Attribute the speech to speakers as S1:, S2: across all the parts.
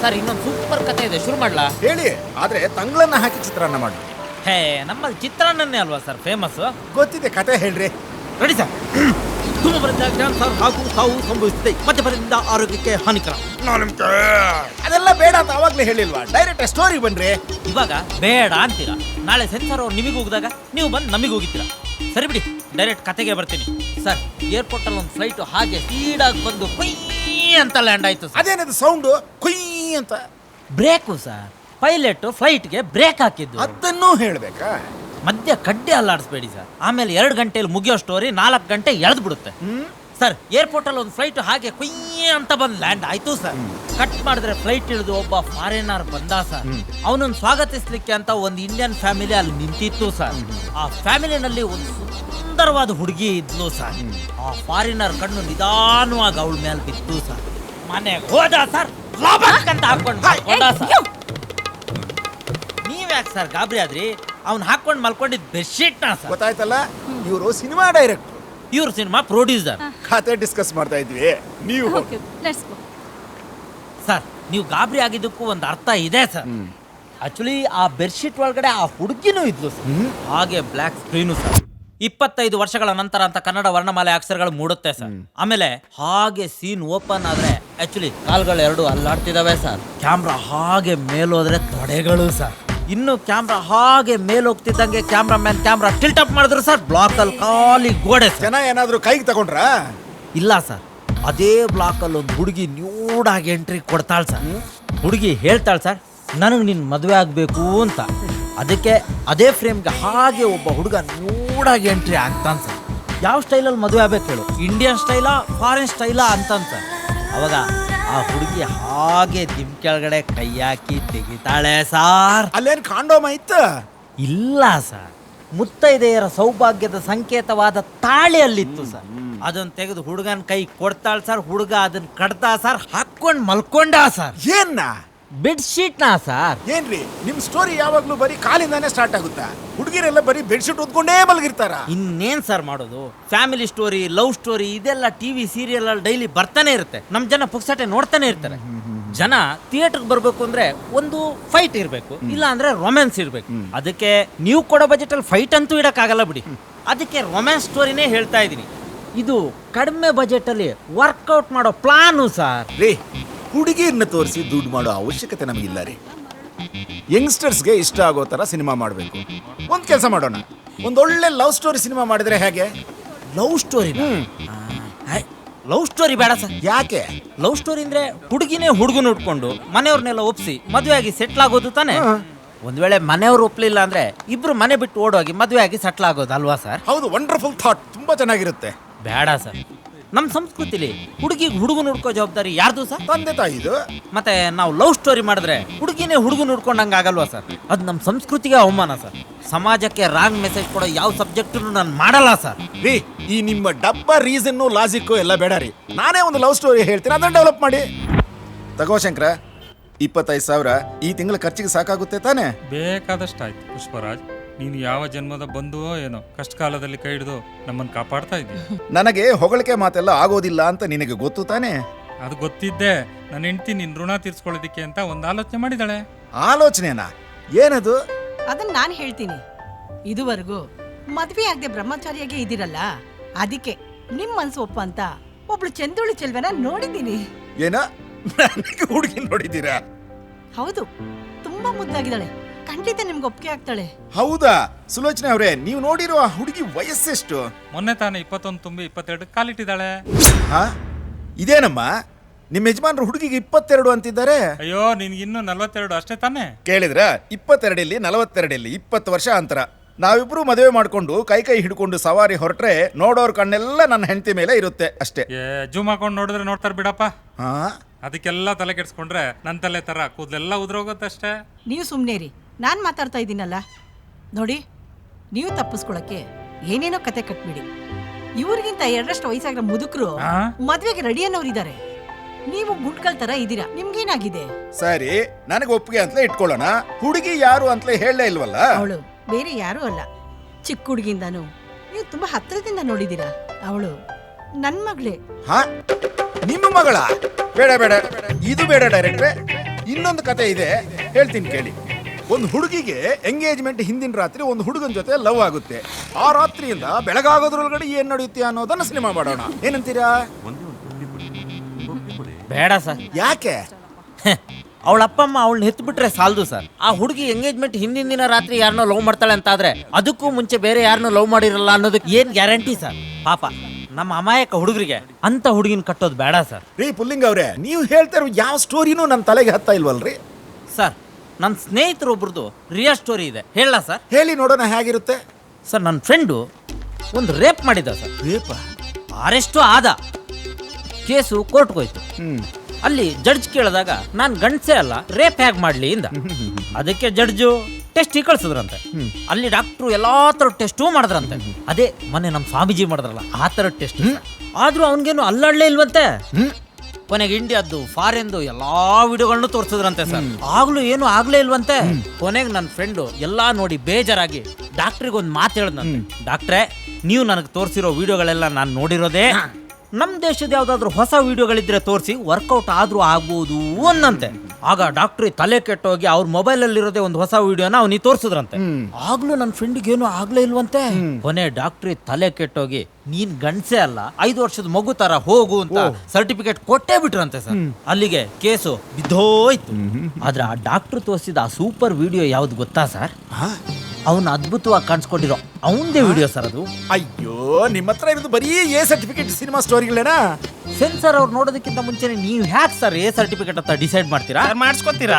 S1: Sir ಇನ್ನೊಂದು super ಕತೆ ಇದೆ, ಶುರು ಮಾಡ್ಲಾ?
S2: ಹೇಳಿ, ಆದ್ರೆ ತಂಗ್ಳನ್ನ ಹಾಕಿ ಚಿತ್ರಾನ್ನ ಮಾಡಿ.
S1: ಹೇ, ನಮ್ಮಲ್ಲಿ ಚಿತ್ರಾನ್ನನೇ ಅಲ್ವಾ ಸರ್ ಫೇಮಸ್?
S2: ಗೊತ್ತಿದೆ, ಕತೆ ಹೇಳ್ರಿ.
S1: Ready sir. ಧೂಮಪಾನದಿಂದ ಕ್ಯಾನ್ಸರ್ ಹಾಗೂ ಸಾವು ಸಂಭವಿಸುತ್ತೆ, ಮದ್ಯಪಾನದಿಂದ ಆರೋಗ್ಯಕ್ಕೆ ಹಾನಿಕರ.
S2: ಅದೆಲ್ಲ ಬೇಡ ಅಂತ ಅವಾಗ್ಲೇ ಹೇಳಿಲ್ವಾ? ಡೈರೆಕ್ಟ್ ಸ್ಟೋರಿ ಬನ್ರಿ.
S1: ಇವಾಗ ಬೇಡ ಅಂತೀರಾ, ನಾಳೆ ಸೆನ್ಸಾರ್ ಅವ್ರು ನಿಮಗೆ ಹೋಗಿದಾಗ ನೀವು ಬಂದು ನಮಗೆ ಹೋಗಿದ್ದೀರಾ. ಸರಿ ಬಿಡಿ, ಡೈರೆಕ್ಟ್ ಕತೆಗೆ ಬರ್ತೀನಿ ಸರ್. ಏರ್ಪೋರ್ಟ್ ಅಲ್ಲಿ ಒಂದು ಫ್ಲೈಟ್ ಹಾಗೆ ಸ್ಪೀಡಾಗಿ ಬಂದು ಕುಯ್ ಅಂತ ಲ್ಯಾಂಡ್ ಆಯ್ತು ಸರ್.
S2: ಅದೇನದು ಸೌಂಡು ಕುಯ್ ಅಂತ?
S1: Brake sir. ಪೈಲಟ್ ಫ್ಲೈಟ್ಗೆ ಬ್ರೇಕ್ ಹಾಕಿದ್ದು.
S2: ಅದನ್ನೂ ಹೇಳ್ಬೇಕಾ?
S1: ಮಧ್ಯ ಕಡ್ಡೆ ಅಲ್ಲಾಡಿಸ್ಬೇಡಿ ಸರ್, ಆಮೇಲೆ 2 ಗಂಟೆಯಲ್ಲಿ ಮುಗಿಯೋ ಸ್ಟೋರಿ 4 ಗಂಟೆ ಎಳೆದು ಬಿಡುತ್ತೆ ಸರ್. ಏರ್ಪೋರ್ಟ್ ಅಲ್ಲಿ ಒಂದು ಫ್ಲೈಟ್ ಹಾಗೆ ಕುಯ್ ಅಂತ ಬಂದು ಲ್ಯಾಂಡ್ ಆಯ್ತು ಸರ್. ಕಟ್ ಮಾಡಿದ್ರೆ ಫ್ಲೈಟ್ ಇಳಿದು ಒಬ್ಬ ಫಾರಿನರ್ ಬಂದ ಸರ್. ಅವನನ್ನು ಸ್ವಾಗತಿಸ್ಲಿಕ್ಕೆ ಅಂತ ಒಂದು ಇಂಡಿಯನ್ ಫ್ಯಾಮಿಲಿ ಅಲ್ಲಿ ನಿಂತಿತ್ತು ಸರ್. ಆ ಫ್ಯಾಮಿಲಿನಲ್ಲಿ ಒಂದು ಸುಂದರವಾದ ಹುಡುಗಿ ಇದ್ಲು ಸರ್. ಆ ಫಾರಿನರ್ ಕಣ್ಣು ನಿಧಾನವಾಗಿ ಅವಳ ಮೇಲೆ ಬಿತ್ತು ಸರ್. ಮನೆಗೆ ಹೋದ ಸರ್, ಅಂತ ಹಾಕೊಂಡು ಹೋದ ಸರ್. ನೀವ್ಯಾಕೆ ಸರ್ ಗಾಬರಿ ಆದ್ರಿ? ಅವ್ನು ಹಾಕೊಂಡು ಮಲ್ಕೊಂಡಿದ್ ಬೆಡ್ಶೀಟ್ನ ಸರ್.
S2: ಗೊತ್ತಾಯ್ತಲ್ಲ, ಇವರು ಸಿನಿಮಾ ಡೈರೆಕ್ಟರ್,
S1: ಇವ್ರು ಸಿನಿಮಾ ಪ್ರೊಡ್ಯೂಸರ್.
S2: ಕತೆ ಡಿಸ್ಕಸ್ ಮಾಡ್ತಾ ಇದ್ವಿ, ನೀವು
S1: ಸರ್ ನೀವು ಗಾಬರಿ ಆಗಿದ್ದಕ್ಕೂ ಒಂದು ಅರ್ಥ ಇದೆ ಸರ್. ಆಕ್ಚುಲಿ ಆ ಬೆಡ್ಶೀಟ್ ಒಳಗಡೆ ಆ ಹುಡುಗಿನೂ ಇದ್ಲು ಸರ್. ಹಾಗೆ ಬ್ಲ್ಯಾಕ್ ಸ್ಕ್ರೀನು ಸರ್. 25 ವರ್ಷಗಳ ನಂತರ ಅಂತ ಕನ್ನಡ ವರ್ಣಮಾಲೆ ಅಕ್ಷರಗಳು ಮೂಡುತ್ತೆ ಸರ್. ಆಮೇಲೆ ಹಾಗೆ ಸೀನ್ ಓಪನ್ ಆದ್ರೆ ಆಕ್ಚುಲಿ ಕಾಲ್ಗಳು 2 ಅಲ್ಲಾಡ್ತಿದಾವೆ ಸರ್. ಕ್ಯಾಮ್ರಾ ಹಾಗೆ ಮೇಲೋದ್ರೆ ತೊಡೆಗಳು ಸರ್. ಇನ್ನು ಕ್ಯಾಮ್ರಾ ಹಾಗೆ ಮೇಲ್ ಹೋಗ್ತಿದ್ದಂಗೆ ಕ್ಯಾಮ್ರಾಮನ್ ಕ್ಯಾಮ್ರಾ ಟಿಲ್ಟ್ ಅಪ್ ಮಾಡಿದ್ರು ಸರ್. ಬ್ಲಾಕ್ ಅಲ್ಲಿ ಖಾಲಿ ಗೋಡೆ.
S2: ಜನ ಏನಾದ್ರು ಕೈಗೆ ತಗೊಂಡ್ರ?
S1: ಇಲ್ಲ ಸರ್, ಅದೇ ಬ್ಲಾಕ್ ಅಲ್ಲಿ ಒಂದು ಹುಡುಗಿ ನ್ಯೂಡಾಗಿ ಎಂಟ್ರಿ ಕೊಡ್ತಾಳೆ ಸರ್. ಹುಡುಗಿ ಹೇಳ್ತಾಳೆ ಸರ್, ನನಗೆ ನಿನ್ನ ಮದುವೆ ಆಗಬೇಕು ಅಂತ. ಅದಕ್ಕೆ ಅದೇ ಫ್ರೇಮ್ಗೆ ಹಾಗೆ ಒಬ್ಬ ಹುಡುಗ ನ್ಯೂಡಾಗಿ ಎಂಟ್ರಿ ಆಗ್ತಾನೆ ಸರ್. ಯಾವ ಸ್ಟೈಲಲ್ಲಿ ಮದುವೆ ಆಗ್ಬೇಕು ಹೇಳು, ಇಂಡಿಯನ್ ಸ್ಟೈಲಾ ಫಾರಿನ್ ಸ್ಟೈಲಾ ಅಂತಾನೆ ಸರ್. ಅವಾಗ ಆ ಹುಡುಗಿ ಹಾಗೆ ದಿಮ್ ಕೆಳಗಡೆ ಕೈ ಹಾಕಿ ತೆಗಿತಾಳೆ ಸಾರ್.
S2: ಅಲ್ಲೇನ್ ಕಾಂಡೋಮ್ ಐತ?
S1: ಇಲ್ಲ ಸರ್, ಮುತ್ತೈದೆಯರ ಸೌಭಾಗ್ಯದ ಸಂಕೇತವಾದ ತಾಳಿ ಅಲ್ಲಿತ್ತು ಸರ್. ಅದನ್ನ ತೆಗೆದು ಹುಡುಗನ ಕೈ ಕೊಡ್ತಾಳ ಸರ್. ಹುಡುಗ ಅದನ್ನ ಕಡ್ತಾ ಸರ್, ಹಾಕೊಂಡ್ ಮಲ್ಕೊಂಡ ಸರ್.
S2: ಏನ್ನ?
S1: ಬೆಡ್ಶೀಟ್ನ ಸರ್.
S2: ಏನ್ರಿ ನಿಮ್ ಸ್ಟೋರಿ ಯಾವಾಗ್ಲೂ ಬರೀ ಕಾಲಿಂದಾನೇ ಸ್ಟಾರ್ಟ್ ಆಗುತ್ತಾ? ಹುಡುಗಿರೆಲ್ಲ ಬರೀ ಬೆಡ್ಶೀಟ್ ಉದ್ಕೊಂಡೇ ಮಲಗಿರ್ತಾರ.
S1: ಇನ್ನೇನ್ ಸರ್ ಮಾಡೋದು? ಫ್ಯಾಮಿಲಿ ಸ್ಟೋರಿ, ಲವ್ ಸ್ಟೋರಿ ಇದೆಲ್ಲ ಟಿವಿ ಸೀರಿಯಲ್ ಅಲ್ಲಿ ಡೈಲಿ ಬರ್ತಾನೆ ಇರುತ್ತೆ. ನಮ್ ಜನ ಪುಕ್ಸಟೆ ನೋಡ್ತಾನೆ ಇರ್ತಾರೆ. ಜನ ಥಿಯೇಟರ್ಗೆ ಬರ್ಬೇಕು ಅಂದ್ರೆ ಒಂದು ಫೈಟ್ ಇರ್ಬೇಕು, ಇಲ್ಲ ಅಂದ್ರೆ ರೊಮ್ಯಾನ್ಸ್ ಇರ್ಬೇಕು. ಅದಕ್ಕೆ ನೀವು ಕೊಡೋ ಬಜೆಟ್ ಅಲ್ಲಿ ಫೈಟ್ ಅಂತೂ ಇಡಕ್ಕಾಗಲ್ಲ ಬಿಡಿ. ಅದಕ್ಕೆ ರೊಮ್ಯಾನ್ಸ್ ಸ್ಟೋರಿನೇ ಹೇಳ್ತಾ ಇದೀನಿ. ಇದು ಕಡಿಮೆ ಬಜೆಟ್ ಅಲ್ಲಿ ವರ್ಕೌಟ್ ಮಾಡೋ ಪ್ಲಾನು ಸರ್.
S2: ರೀ, ಹುಡುಗಿಯನ್ನ ತೋರಿಸಿ ದುಡ್ಡು ಮಾಡೋ ಅವಶ್ಯಕತೆ ನಮಗಿಲ್ಲ ರೀ. ಯಂಗ್ಸ್ಟರ್ಸ್ಗೆ ಇಷ್ಟ ಆಗೋ ತರ ಸಿನಿಮಾ ಮಾಡಬೇಕು. ಒಂದ್ ಕೆಲಸ ಮಾಡೋಣ, ಒಂದೊಳ್ಳೆ ಲವ್ ಸ್ಟೋರಿ ಸಿನಿಮಾ ಮಾಡಿದ್ರೆ ಹೇಗೆ?
S1: Love story? ಲವ್ ಸ್ಟೋರಿ ಬೇಡ ಸರ್.
S2: ಯಾಕೆ?
S1: ಲವ್ ಸ್ಟೋರಿ ಅಂದ್ರೆ ಹುಡುಗಿನೇ ಹುಡುಗನ ಉಟ್ಕೊಂಡು ಮನೆಯವ್ರನ್ನೆಲ್ಲ ಒಪ್ಸಿ ಮದುವೆ ಆಗಿ ಸೆಟ್ಲ್ ಆಗೋದು ತಾನೆ. ಒಂದ್ ವೇಳೆ ಮನೆಯವ್ರು ಒಪ್ಲಿಲ್ಲ ಅಂದ್ರೆ ಇಬ್ರು ಮನೆ ಬಿಟ್ಟು ಓಡೋಗಿ ಮದುವೆ ಆಗಿ ಸೆಟ್ಲ್ ಆಗೋದು ಅಲ್ವಾ ಸರ್?
S2: ಹೌದು, ವಂಡರ್ಫುಲ್ ಥಾಟ್, ತುಂಬಾ ಚೆನ್ನಾಗಿರುತ್ತೆ.
S1: ಬೇಡ ಸರ್, ನಮ್ಮ ಸಂಸ್ಕೃತಿಲಿ ಹುಡುಗಿಗೆ ಹುಡುಗನ ಹುಡ್ಕೋ ಜವಾಬ್ದಾರಿ ಯಾರ್ದು ಸರ್?
S2: ತಂದೆ ತಾಯಿದು.
S1: ಮತ್ತೆ ನಾವು ಲವ್ ಸ್ಟೋರಿ ಮಾಡಿದ್ರೆ ಹುಡುಗಿನೇ ಹುಡುಗನ ಹುಡ್ಕೊಂಡಂಗೆ ಆಗಲ್ವಾ ಸರ್? ಅದು ನಮ್ಮ ಸಂಸ್ಕೃತಿಗೆ ಅವಮಾನ ಸರ್. ಸಮಾಜಕ್ಕೆ ರಾಂಗ್ ಮೆಸೇಜ್ ಕೊಡೋ ಯಾವ ಸಬ್ಜೆಕ್ಟ್ ನಾನು ಮಾಡಲ್ಲ ಸರ್.
S2: ರೀ, ಈ ನಿಮ್ಮ ಡಬ್ಬ ರೀಸನ್ನು ಲಾಜಿಕ್ಕು ಎಲ್ಲ ಬೇಡ ರೀ. ನಾನೇ ಒಂದು ಲವ್ ಸ್ಟೋರಿ ಹೇಳ್ತೀನಿ, ಅದನ್ನ ಡೆವಲಪ್ ಮಾಡಿ. ತಗೋ ಶಂಕರ, 25,000 ಈ ತಿಂಗಳ ಖರ್ಚಿಗೆ ಸಾಕಾಗುತ್ತೆ ತಾನೆ?
S3: ಬೇಕಾದಷ್ಟು ಆಯ್ತು ಪುಷ್ಪರಾಜ್. ನೀನು ಯಾವ ಜನ್ಮದ ಬಂದುವೋ ಏನೋ ಕಷ್ಟ ಕಾಲದಲ್ಲಿ ಕೈ ಹಿಡಿದು ನಮ್ಮನ್ನು ಕಾಪಾಡ್ತಾ ಇದ್ದೀಯ.
S2: ನನಗೆ ಹೊಗಳಿಕೆ ಮಾತೆಲ್ಲ ಆಗೋದಿಲ್ಲ ಅಂತ ನಿನಗೆ ಗೊತ್ತು ತಾನೆ?
S3: ಅದು ಗೊತ್ತಿದ್ದೆ. ನನ್ನ ಹೆಂಡತಿ ನಿನ್ನ ಋಣ ತೀರ್ಸ್ಕೊಳ್ಳೋದಿಕ್ಕೆ ಅಂತ ಒಂದು ಆಲೋಚನೆ ಮಾಡಿದಾಳೆ.
S2: ಆಲೋಚನೆನಾ? ಏನದು?
S4: ಅದನ್ನ ನಾನು ಹೇಳ್ತೀನಿ. ಇದುವರೆಗೂ ಮದ್ವೆ ಆಗದೆ ಬ್ರಹ್ಮಚಾರಿಯಾಗೆ ಇದಿರಲ್ಲ, ಅದಕ್ಕೆ ನಿಮ್ ಮನ್ಸು ಒಪ್ಪ ಅಂತ ಒಬ್ಳು ಚಂದುಳಿ ಚೆಲ್ವನ ನೋಡಿದ್ದೀನಿ.
S2: ಏನ? ನನಗೆ ಹುಡುಗಿ ನೋಡಿದ್ದೀರಾ?
S4: ಹೌದು, ತುಂಬಾ ಮುದ್ದಾಗಿದ್ದಾಳೆ. ಖಂಡಿತ ನಿಮ್ಗೆ ಒಪ್ಪಿಗೆ ಆಗ್ತಾಳೆ.
S2: ಹೌದಾ? ಸುಲೋಚನೆ ಅವರೇ, ನೀವು ನೋಡಿರೋ ಆ ಹುಡುಗಿ ವಯಸ್ಸೆಷ್ಟು?
S3: ಮೊನ್ನೆ ತಾನೇ 21 ತುಂಬಿ 22 ಕಾಲಿಟ್ಟಿದ್ದಾಳೆ.
S2: ಹಾ, ಇದೇನಮ್ಮ? ನಿಮ್ಮ ಯಜಮಾನ್ರು ಹುಡುಗಿಗೆ 22 ಅಂತಿದ್ದಾರೆ.
S3: ಅಯ್ಯೋ, ನಿನ್ಗಿನ್ನೂ 42 ಅಷ್ಟೇ ತಾನೇ?
S2: ಕೇಳಿದ್ರ? 22 42 20 ವರ್ಷ ಅಂತರ. ನಾವಿಬ್ರು ಮದುವೆ ಮಾಡ್ಕೊಂಡು ಕೈ ಹಿಡ್ಕೊಂಡು ಸವಾರಿ ಹೊರಟ್ರೆ ನೋಡೋರ್ ಕಣ್ಣೆಲ್ಲ ನನ್ನ ಹೆಂಡತಿ ಮೇಲೆ ಇರುತ್ತೆ ಅಷ್ಟೇ.
S3: ಜೂಮ್ ಹಾಕೊಂಡು ನೋಡಿದ್ರೆ ನೋಡ್ತಾರ ಬಿಡಪ್ಪ.
S2: ಹಾ,
S3: ಅದಕ್ಕೆಲ್ಲ ತಲೆ ಕೆಡ್ಸ್ಕೊಂಡ್ರೆ ನನ್ನ ತಲೆ ತರ ಕೂದಲೆಲ್ಲ ಉದ್ರೋಗುತ್ತಷ್ಟೇ.
S4: ನೀವು ಸುಮ್ಮನೆ ರೀ, ನಾನು ಮಾತಾಡ್ತಾ ಇದ್ದೀನಲ್ಲ. ನೋಡಿ, ನೀವು ತಪ್ಪಿಸ್ಕೊಳಕ್ಕೆ ಏನೇನೋ ಕತೆ ಕಟ್ಬಿಡಿ. ಇವ್ರಿಗಿಂತ 2 ವಯಸ್ಸಾಗಿರೋ ಮುದುಕರು ಮದ್ವೆಗೆ ರೆಡಿ ಅನ್ನೋರಿದ್ದಾರೆ. ನೀವು ಗುಂಡ್ಕಲ್ ತರ ಇದ್ದೀರಾ, ನಿಮ್ಗೇನಾಗಿದೆ?
S2: ಸರಿ, ನನಗೆ ಒಪ್ಪಿಗೆ ಅಂತಲೇ ಇಟ್ಕೊಳ್ಳೋಣ. ಹುಡುಗಿ ಯಾರು ಅಂತಲೇ ಹೇಳಲೇ ಇಲ್ವಲ್ಲ?
S4: ಅವಳು ಬೇರೆ ಯಾರು ಅಲ್ಲ, ಚಿಕ್ಕ ಹುಡುಗಿಂದಾನು ನೀವು ತುಂಬಾ ಹತ್ತಿರದಿಂದ ನೋಡಿದೀರಾ. ಅವಳು ನನ್ ಮಗಳೇ.
S2: ಹಾ, ನಿಮ್ಮ ಮಗಳ? ಬೇಡ ಬೇಡ, ಇದು ಬೇಡ ಡೈರೆಕ್ಟ್ರೆ. ಇನ್ನೊಂದು ಕತೆ ಇದೆ, ಹೇಳ್ತೀನಿ ಕೇಳಿ. ಒಂದು ಹುಡುಗಿಗೆ ಎಂಗೇಜ್ಮೆಂಟ್ ಹಿಂದಿನ ರಾತ್ರಿ ಒಂದು ಹುಡುಗನ ಜೊತೆ ಲವ್ ಆಗುತ್ತೆ. ಆ ರಾತ್ರಿಯಿಂದ ಬೆಳಗಾಗೋದ್ರೊಳಗಡೆ ಏನ್ ನಡೆಯುತ್ತೆ ಅನ್ನೋದನ್ನ ಸಿನಿಮಾ ಮಾಡೋಣ, ಏನಂತೀರಾ?
S1: ಬೇಡ ಸರ್.
S2: ಯಾಕೆ?
S1: ಅವಳ ಅಪ್ಪ ಅಮ್ಮ ಅವಳನ್ನ ಹೆತ್ಬಿಟ್ರೆ ಸಾಲದು ಸರ್. ಆ ಹುಡುಗಿ ಎಂಗೇಜ್ಮೆಂಟ್ ಹಿಂದಿನ ದಿನ ರಾತ್ರಿ ಯಾರನ್ನೋ ಲವ್ ಮಾಡ್ತಾಳೆ ಅಂತ ಆದ್ರೆ ಅದಕ್ಕೂ ಮುಂಚೆ ಬೇರೆ ಯಾರನ್ನೋ ಲವ್ ಮಾಡಿರಲ್ಲ ಅನ್ನೋದಕ್ಕೆ ಏನ್ ಗ್ಯಾರಂಟಿ ಸರ್? ಪಾಪ ನಮ್ಮ ಅಮಾಯಕ ಹುಡುಗರಿಗೆ ಅಂತ ಹುಡುಗಿನ ಕಟ್ಟೋದು ಬೇಡ ಸರ್.
S2: ರೀ ಪುಲ್ಲಿಂಗ್ ಅವ್ರೆ, ನೀವು ಹೇಳ್ತಾ ಇರೋ ಯಾವ ಸ್ಟೋರಿನೂ ನನ್ನ ತಲೆಗೆ ಹತ್ತಾ ಇಲ್ವಲ್ರಿ?
S1: ಸರ್, ನನ್ನ ಸ್ನೇಹಿತರೊಬ್ರದ್ದು ರಿಯಲ್ ಸ್ಟೋರಿ ಇದೆ, ಹೇಳ ಸರ್?
S2: ಹೇಳಿ ನೋಡೋಣ ಹೇಗಿರುತ್ತೆ.
S1: ಸರ್, ನನ್ನ ಫ್ರೆಂಡು ಒಂದು ರೇಪ್ ಮಾಡಿದ್ದ ಸರ್.
S2: ರೇಪ?
S1: ಅರೆಸ್ಟು ಆದ. ಕೇಸು ಕೋರ್ಟ್ಗೆ ಹೋಯ್ತು. ಅಲ್ಲಿ ಜಡ್ಜ್ ಕೇಳಿದಾಗ ನಾನು ಗಂಡಸೇ ಅಲ್ಲ, ರೇಪ್ ಹೇಗೆ ಮಾಡ್ಲಿ ಇಂದ. ಅದಕ್ಕೆ ಜಡ್ಜು ಟೆಸ್ಟ್ ಕಳ್ಸಿದ್ರಂತೆ. ಅಲ್ಲಿ ಡಾಕ್ಟ್ರು ಎಲ್ಲಾ ತರ ಟೆಸ್ಟು ಮಾಡಿದ್ರಂತೆ. ಅದೇ ಮೊನ್ನೆ ನಮ್ಮ ಸ್ವಾಮೀಜಿ ಮಾಡಿದ್ರಲ್ಲ ಆ ತರ ಟೆಸ್ಟ್. ಆದ್ರೂ ಅವನಿಗೇನು ಅಲ್ಲಾಡ್ಲೇ ಇಲ್ವಂತೆ. ಕೊನೆಗೆ ಇಂಡಿಯಾದ್ದು ಫಾರಿನ್ದು ಎಲ್ಲಾ ವಿಡಿಯೋಗಳನ್ನು ತೋರಿಸಿದ್ರಂತೆ ಸರ್. ಆಗ್ಲೂ ಏನು ಆಗ್ಲೇ ಇಲ್ವಂತೆ. ಕೊನೆಗೆ ನನ್ನ ಫ್ರೆಂಡು ಎಲ್ಲಾ ನೋಡಿ ಬೇಜಾರಾಗಿ ಡಾಕ್ಟ್ರಿಗೆ ಒಂದು ಮಾತು ಹೇಳಿದ್ನಂತೆ. ಡಾಕ್ಟ್ರೇ, ನೀವು ನನಗೆ ತೋರಿಸಿರೋ ವಿಡಿಯೋಗಳೆಲ್ಲ ನಾನು ನೋಡಿರೋದೇ. ನಮ್ಮ ದೇಶದ ಯಾವ್ದಾದ್ರು ಹೊಸ ವಿಡಿಯೋಗಳಿದ್ರೆ ತೋರಿಸಿ, ವರ್ಕೌಟ್ ಆದ್ರೂ ಆಗ್ಬೋದು ಅನ್ನಂತೆ. ಆಗ ಡಾಕ್ಟ್ರಿ ತಲೆ ಕೆಟ್ಟೋಗಿ ಅವ್ರ ಮೊಬೈಲ್ ಅಲ್ಲಿರೋದೇ ಒಂದು ಹೊಸ ವಿಡಿಯೋನ ಅವನಿಗೆ ತೋರಿಸಿದ್ರಂತೆ. ಆಗ್ಲೂ ನನ್ನ ಫ್ರೆಂಡಿಗೆ ಏನು ಆಗ್ಲೇ ಇಲ್ವಂತೆ. ಕೊನೆ ಡಾಕ್ಟ್ರಿ ತಲೆ ಕೆಟ್ಟೋಗಿ ನೀನ್ ಗಂಡಸೇ ಅಲ್ಲ, 5 ವರ್ಷದ ಮಗು ತರ ಹೋಗು ಅಂತ ಸರ್ಟಿಫಿಕೇಟ್ ಕೊಟ್ಟೇ ಬಿಟ್ರಂತೆ ಸರ್. ಅಲ್ಲಿಗೆ ಕೇಸು ಬಿದ್ದೋಯ್ತು. ಆದ್ರೆ ಆ ಡಾಕ್ಟರ್ ತೋರಿಸಿದ ಆ ಸೂಪರ್ ವಿಡಿಯೋ ಯಾವ್ದು ಗೊತ್ತಾ ಸರ್? ಅವನು ಅದ್ಭುತವಾಗಿ ಕಾಣಿಸ್ಕೊಂಡಿರೋ ಅವನದೇ ವಿಡಿಯೋ ಸರ್ ಅದು.
S2: ಅಯ್ಯೋ, ನಿಮ್ಮ ಹತ್ರ ಇರೋದು ಬರೀ ಎ ಸರ್ಟಿಫಿಕೇಟ್ ಸಿನಿಮಾ ಸ್ಟೋರಿಗಳೇನಾ?
S1: ಸೆನ್ಸರ್ ಅವ್ರು ನೋಡೋದಕ್ಕಿಂತ ಮುಂಚೆನೆ ನೀವು ಹ್ಯಾಕ್ ಸರ್ ಎ ಸರ್ಟಿಫಿಕೇಟ್ ಅಂತ ಡಿಸೈಡ್ ಮಾಡ್ತೀರಾ?
S5: ಮಾಡಿಸ್ಕೊತೀರಾ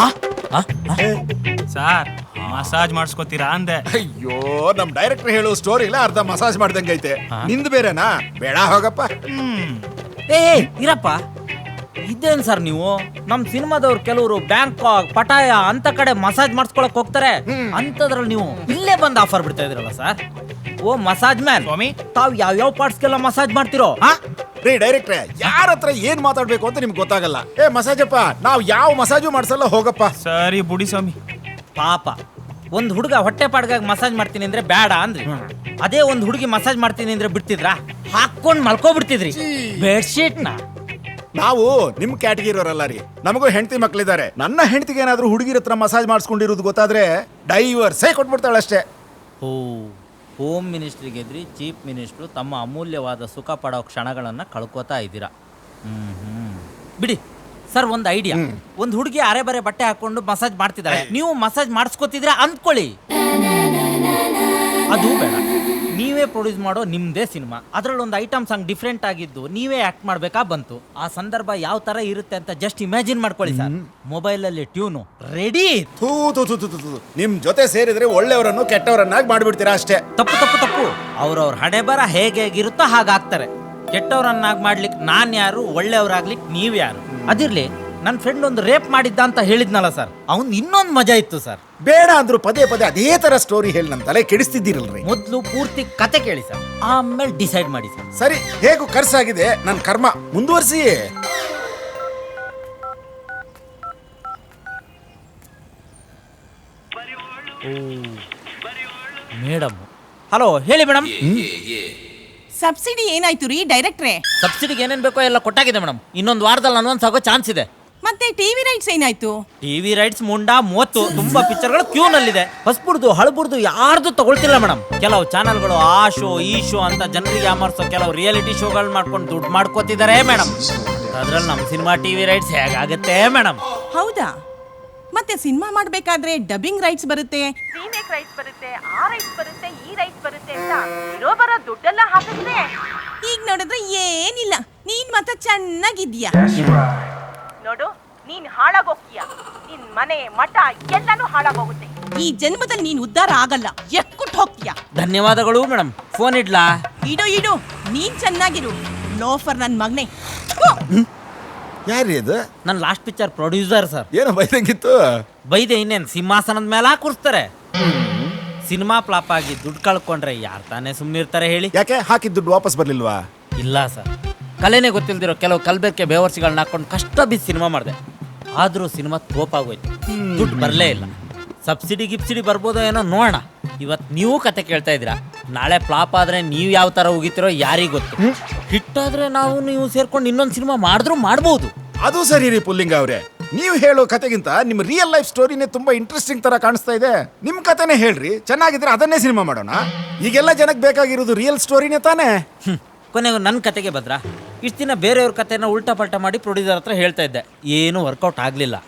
S5: ಸರ್? ಮಸಾಜ್ ಮಾಡಿಸ್ಕೊತೀರಾ ಅಂದೆ.
S2: ಅಯ್ಯೋ, ನಮ್ ಡೈರೆಕ್ಟರ್ ಹೇಳೋ ಸ್ಟೋರಿಲ್ಲ ಅರ್ಧ ಮಸಾಜ್ ಮಾಡ್ದಂಗೈತೆ. ನಿಂದು ಬೇರೆನಾ? ಬೇಡ ಹೋಗಪ್ಪ.
S1: ಏ ಇರಪ್ಪ, ಇದೇನ್ ಸರ್ ನೀವು? ನಮ್ ಸಿನಿಮಾದವ್ರು ಕೆಲವರು ಬ್ಯಾಂಕಾಕ್, ಪಟಾಯ ಅಂತ ಕಡೆ ಮಸಾಜ್ ಮಾಡಿಸ್ಕೊಳಕ್ ಹೋಗ್ತಾರೆ. ಅಂತದ್ರಲ್ಲಿ ನೀವು ಇಲ್ಲೇ ಬಂದು ಆಫರ್ ಬಿಡ್ತಾ ಇದ್ರಲ್ಲ ಸರ್. ಓ ಮಸಾಜ್ ಮ್ಯಾನ್
S5: ಸ್ವಾಮಿ,
S1: ತಾವ್ ಯಾವ್ಯಾವ ಪಾರ್ಟ್ಸ್ಗೆಲ್ಲ ಮಸಾಜ್ ಮಾಡ್ತಿರೋ?
S2: ರೀ ಡೈರೆಕ್ಟ್ರೆ, ಯಾರ ಹತ್ರ ಏನ್ ಮಾತಾಡ್ಬೇಕು ಅಂತ ನಿಮ್ಗೆ ಗೊತ್ತಾಗಲ್ಲ. ಏ ಮಸಾಜಪ್ಪ, ನಾವ್ ಯಾವ ಮಸಾಜು ಮಾಡ್ಸಲ್ಲ, ಹೋಗಪ್ಪ.
S5: ಸರಿ ಬುಡಿ ಸ್ವಾಮಿ.
S1: ಪಾಪ ಒಂದ್ ಹುಡುಗ ಹೊಟ್ಟೆ ಪಾಡ್ಗಾಗಿ ಮಸಾಜ್ ಮಾಡ್ತೀನಿ ಅಂದ್ರೆ ಬೇಡ ಅಂದ್ರಿ. ಅದೇ ಒಂದ್ ಹುಡುಗಿ ಮಸಾಜ್ ಮಾಡ್ತೀನಿ ಅಂದ್ರೆ ಬಿಡ್ತಿದ್ರ? ಹಾಕೊಂಡ್ ಮಲ್ಕೋಬಿಡ್ತಿದ್ರಿ ಬೆಡ್ಶೀಟ್ನ.
S2: ನಾವು ನಿಮ್ ಕ್ಯಾಟಗಿರಿ ಅವರಲ್ಲ ರೀ, ನಮಗೂ ಹೆಂಡತಿ ಮಕ್ಳಿದ್ದಾರೆ. ನನ್ನ ಹೆಂಡತಿಗೆ ಏನಾದ್ರೂ ಹುಡುಗಿರ ಹತ್ರ ಮಸಾಜ್ ಮಾಡಿಸ್ಕೊಂಡಿರೋದು ಗೊತ್ತಾದ್ರೆ ಡೈವರ್ಸೇ ಕೊಟ್ಬಿಡ್ತಾಳಷ್ಟೇ.
S1: ಓ, ಹೋಮ್ ಮಿನಿಸ್ಟ್ರಿಗೆ ಎದ್ರಿ ಚೀಫ್ ಮಿನಿಸ್ಟ್ರು ತಮ್ಮ ಅಮೂಲ್ಯವಾದ ಸುಖ ಪಡೋ ಕ್ಷಣಗಳನ್ನ ಕಳ್ಕೊತಾ ಇದ್ದೀರಾ. ಬಿಡಿ ಸರ್, ಒಂದು ಐಡಿಯಾ. ಒಂದು ಹುಡುಗಿ ಅರೆ ಬರೆ ಬಟ್ಟೆ ಹಾಕೊಂಡು ಮಸಾಜ್ ಮಾಡ್ತಿದ್ದಾರೆ, ನೀವು ಮಸಾಜ್ ಮಾಡಿಸ್ಕೊತಿದ್ರೆ ಅಂದ್ಕೊಳ್ಳಿ. ಅದು ಬೇಡ, ನೀವೇ ಪ್ರೊಡ್ಯೂಸ್ ಮಾಡೋ ನಿಮ್ದೇ ಸಿನಿಮಾ, ಅದ್ರಲ್ಲಿ ಒಂದು ಐಟಮ್ ಸಾಂಗ್ ಡಿಫ್ರೆಂಟ್ ಆಗಿದ್ದು ನೀವೇ ಆಕ್ಟ್ ಮಾಡ್ಬೇಕಾ ಬಂತು. ಆ ಸಂದರ್ಭ ಯಾವ ತರ ಇರುತ್ತೆ ಅಂತ ಜಸ್ಟ್ ಇಮ್ಯಾಜಿನ್ ಮಾಡ್ಕೊಳ್ಳಿ ಸರ್. ಮೊಬೈಲ್ ಅಲ್ಲಿ ಟ್ಯೂನು ರೆಡಿ.
S2: ನಿಮ್ ಜೊತೆ ಸೇರಿದ್ರೆ ಒಳ್ಳೆಯವರನ್ನು ಕೆಟ್ಟವರನ್ನಾಗಿ ಮಾಡ್ಬಿಡ್ತೀರಾ ಅಷ್ಟೇ.
S1: ತಪ್ಪು ತಪ್ಪು ತಪ್ಪು. ಅವ್ರವ್ರ ಹಣೆ ಬರ ಹೇಗಿರುತ್ತೋ ಹಾಗಾಗ್ತಾರೆ. ಕೆಟ್ಟವ್ರನ್ನಾಗಿ ಮಾಡ್ಲಿಕ್ಕೆ ನಾನ್ ಯಾರು, ಒಳ್ಳೆಯವ್ರಾಗ್ಲಿಕ್ಕೆ ನೀವ್ ಯಾರು? ಅದಿರ್ಲಿ, ನನ್ನ ಫ್ರೆಂಡ್ ಒಂದು ರೇಪ್ ಮಾಡಿದ್ದ ಅಂತ ಹೇಳಿದ್ನಲ್ಲ ಸರ್, ಅವ್ನ್ ಇನ್ನೊಂದು ಮಜಾ ಇತ್ತು ಸರ್.
S2: ಬೇಡ ಅಂದ್ರು ಪದೇ ಪದೇ ಅದೇ ತರ ಸ್ಟೋರಿ ಹೇಳಿ ನನ್ನ ತಲೆ ಕೆಡಿಸ್ತಿದ್ದೀರಲ್ರಿ.
S1: ಮೊದ್ಲು ಪೂರ್ತಿ ಕತೆ ಕೇಳಿ ಸರ್, ಆಮೇಲೆ ಡಿಸೈಡ್ ಮಾಡಿ ಸರ್.
S2: ಸರಿ, ಹೇಗೂ ಖರ್ಚಾಗಿದೆ, ನನ್ನ ಕರ್ಮ ಮುಂದುವರಿಸಿ.
S1: ಮೇಡಮ್, ಹಲೋ ಹೇಳಿ ಮೇಡಮ್.
S6: ಸಬ್ಸಿಡಿ ಏನಾಯ್ತು ರೀ ಡೈರೆಕ್ಟ್ರೆ?
S1: ಸಬ್ಸಿಡಿಗೆ ಏನೇನ್ ಬೇಕೋ ಎಲ್ಲ ಕೊಟ್ಟಾಗಿದೆ ಮೇಡಮ್. ಇನ್ನೊಂದು ವಾರದಲ್ಲಿ ಅನ್ವನ್ಸ್ ಆಗೋ ಚಾನ್ಸ್ ಇದೆ.
S6: ಮತ್ತೆ ಟಿವಿ ರೈಟ್ಸ್ ಏನಾಯ್ತು?
S1: ಟಿವಿ ರೈಟ್ಸ್ ಮುಂಡಾ 30 ತುಂಬಾ ಪಿಕ್ಚರ್ಗಳು ಕ್ಯೂ ನಲ್ಲಿದೆ. ಹೊಸಬುರ್ದು ಹಳಬುರ್ದು ಯಾರ್ದು ತಗೊಳ್ತಿಲ್ಲ ಮೇಡಮ್. ಕೆಲವು ಚಾನಲ್ಗಳು ಆ ಶೋ ಈ ಶೋ ಅಂತ ಜನರಿಗೆ ಯಾಮರ್ಸೋ ಕೆಲವು ರಿಯಾಲಿಟಿ ಶೋಗಳು ಮಾಡ್ಕೊಂಡು ದುಡ್ಡು ಮಾಡ್ಕೋತಿದ್ದಾರೆ ಮೇಡಮ್. ಅದ್ರಲ್ಲಿ ನಮ್ಮ ಸಿನಿಮಾ ಟಿವಿ ರೈಟ್ಸ್ ಹೇಗಾಗತ್ತೆ ಮೇಡಮ್?
S6: ಹೌದಾ? ಮತ್ತೆ ಸಿನಿಮಾ ಮಾಡ್ಬೇಕಾದ್ರೆ ಡಬ್ಬಿಂಗ್ ರೈಟ್ಸ್ ಬರುತ್ತೆ, ರೀಮೇಕ್ ರೈಟ್ಸ್ ಬರುತ್ತೆ, ಆ ರೈಟ್ಸ್ ಬರುತ್ತೆ, ಈ ರೈಟ್ಸ್ ಬರುತ್ತೆ ಅಂತ ಇರೋ ಬರೋ ದುಡ್ಡೆಲ್ಲ ಹಾಕಿದ್ರೆ ಈಗ ನೋಡಿದ್ರೆ ಏನಿಲ್ಲ. ನೀನ್ ಮಾತ್ರ ಚೆನ್ನಾಗಿದ್ಯಾ ನೋಡು. ನೀನ್ ಹಾಳಾಗೋಗ್ತೀಯ, ನಿನ್ ಮನೆ ಮಠ ಎಲ್ಲಾನು ಹಾಳಾಗೋಗುತ್ತೆ. ಈ ಜನ್ಮದಲ್ಲಿ ನೀನ್ ಉದ್ಧಾರ ಆಗಲ್ಲ, ಎಕ್ಕುಟ್ ಹೋಗ್ತೀಯ.
S1: ಧನ್ಯವಾದಗಳು ಮೇಡಮ್. ಫೋನ್ ಇಡ್ಲಾ?
S6: ಇಡು, ನೀನ್ ಚೆನ್ನಾಗಿರು. ಲೋಫರ್ ನನ್ ಮಗನೇ.
S2: ಯಾರೀ ಅದು?
S1: ನನ್ನ ಲಾಸ್ಟ್ ಪಿಕ್ಚರ್ ಪ್ರೊಡ್ಯೂಸರ್ ಸರ್.
S2: ಏನೋ ಬೈದಂಗಿತ್ತು.
S1: ಬೈದೆ ಇನ್ನೇನ್ ಸಿಂಹಾಸನದ ಮೇಲೆ ಕೂರಿಸ್ತಾರೆ. ಸಿನಿಮಾ ಫ್ಲಾಪ್ ಆಗಿ ದುಡ್ಡು ಕಳ್ಕೊಂಡ್ರೆ ಯಾರು ತಾನೇ ಸುಮ್ಮನಿರ್ತಾರೆ ಹೇಳಿ?
S2: ಯಾಕೆ ಹಾಕಿದ ದುಡ್ಡು ವಾಪಸ್ ಬರ್ಲಿಲ್ವಾ?
S1: ಇಲ್ಲ ಸರ್, ಕಲೆನೇ ಗೊತ್ತಿಲ್ದಿರೋ ಕೆಲವು ಕಲ್ಬೇಕೆ ಬೇವರ್ಸಿಗಳನ್ನ ಹಾಕೊಂಡು ಕಷ್ಟ ಬಿದ್ದು ಸಿನಿಮಾ ಮಾಡಿದೆ. ಆದ್ರೂ ಸಿನಿಮಾ ತೋಪಾಗೋಯ್ತು, ದುಡ್ಡು ಬರಲೇ ಇಲ್ಲ. ಸಬ್ಸಿಡಿ ಗಿಬ್ಸಿಡಿ ಬರ್ಬೋದೋ ಏನೋ ನೋಡೋಣ. ಇವತ್ತು ನೀವು ಕತೆ ಕೇಳ್ತಾ ಇದ್ದೀರಾ, ನಾಳೆ ಫ್ಲಾಪ್ ಆದ್ರೆ ನೀವು ಯಾವ ತರ ಹೋಗಿತಿರೋ ಯಾರಿಗ್ ಗೊತ್ತು. ಹಿಟ್ಟಾದ್ರೆ ನಾವು ನೀವು ಸೇರ್ಕೊಂಡು ಇನ್ನೊಂದು ಸಿನಿಮಾ ಮಾಡಿದ್ರು ಮಾಡ್ಬೋದು.
S2: ಅದು ಸರಿ ರೀ ಪುಲ್ಲಿಂಗ ಅವ್ರೆ. ನೀವು ಹೇಳೋ ಕತೆಗಿಂತ ನಿಮ್ಮ ರಿಯಲ್ ಲೈಫ್ ಸ್ಟೋರಿನೇ ತುಂಬಾ ಇಂಟ್ರೆಸ್ಟಿಂಗ್ ತರ ಕಾಣಿಸ್ತಾ ಇದೆ. ನಿಮ್ಮ ಕತೆನೇ ಹೇಳ್ರಿ, ಚೆನ್ನಾಗಿದ್ರೆ ಅದನ್ನೇ ಸಿನಿಮಾ ಮಾಡೋಣ. ಈಗೆಲ್ಲ ಜನಕ್ಕೆ ಬೇಕಾಗಿರೋದು ರಿಯಲ್ ಸ್ಟೋರಿನೇ ತಾನೇ.
S1: ಕೊನೆಗೂ ನನ್ನ ಕತೆಗೆ ಬದ್ರಾ. ಇಷ್ಟು ದಿನ ಬೇರೆಯವ್ರ ಕತೆನ ಉಲ್ಟಾ ಪಲ್ಟಾ ಮಾಡಿ ಪ್ರೊಡ್ಯೂಸರ್ ಹತ್ರ ಹೇಳ್ತಾ ಇದ್ದೆ, ಏನೂ ವರ್ಕೌಟ್ ಆಗಲಿಲ್ಲ.